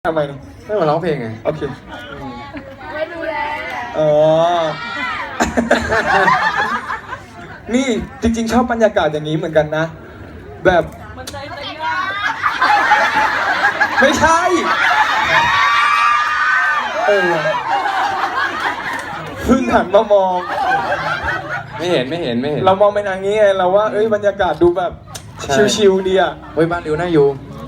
ทำไมไม่มาร้องเพลงไงโอเคไม่ดูแลอ๋อ นี่จริงๆชอบบรรยากาศอย่างนี้เหมือนกันนะ แบบไม่ใช่เพิ่งหันมามองไม่เห็นเรามองไปทางนี้ไงเราว่าบรรยากาศดูแบบชิลๆดีอ่ะเฮ้ยบ้านริวน่าอยู่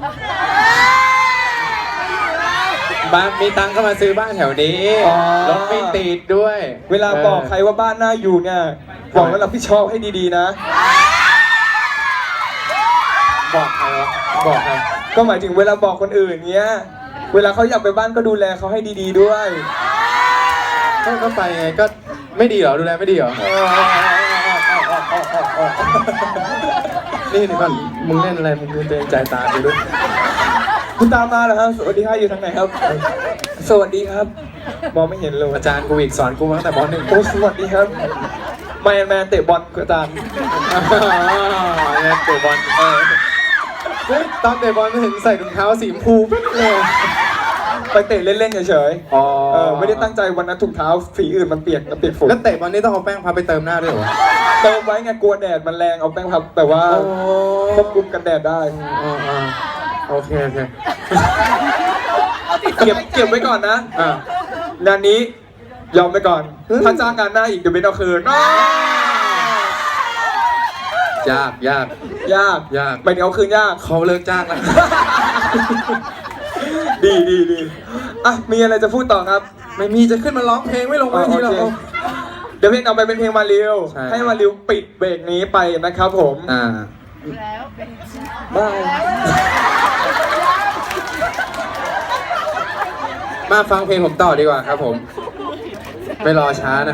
บ้านมีตังค์ก็มาซื้อบ้านแถวนี้รถไม่ติดด้วยเวลาบอกใครว่าบ้านน่าอยู่เนี่ยบอกว่าเราพี่ชอบให้ดีๆนะบอกใครวะบอกใครก็หมายถึงเวลาบอกคนอื่นเงี้ยเวลาเขาอยากไปบ้านก็ดูแลเขาให้ดีๆด้วยก็ไปไงก็ไม่ดีเหรอดูแลไม่ดีเหรอนี่ก่อนมึงเล่นอะไรมึงเกรงใจตาไปด้วยคุณตามมาเหรอครับสวัสดีครับอยู่ทางไหนครับสวัสดีครับมองไม่เห็นเลยอาจารย์กูอีกสอนกูมาตั้งแต่ป .1 โอ้สวัสดีครับแมนเตะบอลอาจารย์เตะบอลตอนเตะบอลไม่เห็นใส่ถุงเท้าสีชมพูเลยไปเตะเล่นๆเฉยๆไม่ได้ตั้งใจวันนั้นถุงเท้าสีอื่นมันเปียกฝนแล้วเตะบอลนี่ต้องเอาแป้งพับไปเติมหน้าด้วยเหรอเติมไว้ไงกลัวแดดมันแรงเอาแป้งพับแต่ว่าควบคุมกันแดดได้โอเคเก็บไว้ก่อนนะงานนี้ยอมไปก่อนถ้าจ้างงานหน้าอีกเดี๋ยวไม่เอาคืนยากไม่เอาคืนยากเขาเลิกจ้างแล้วดีอ่ะมีอะไรจะพูดต่อครับไม่มีจะขึ้นมาร้องเพลงไม่ลงเวทีหรอกเดี๋ยวเพลงเอาไปเป็นเพลงมาริวให้มาริวปิดเบรกนี้ไปนะครับผมแล้วบายมาฟังเพลงผมต่อดีกว่าครับผมไม่รอช้านะ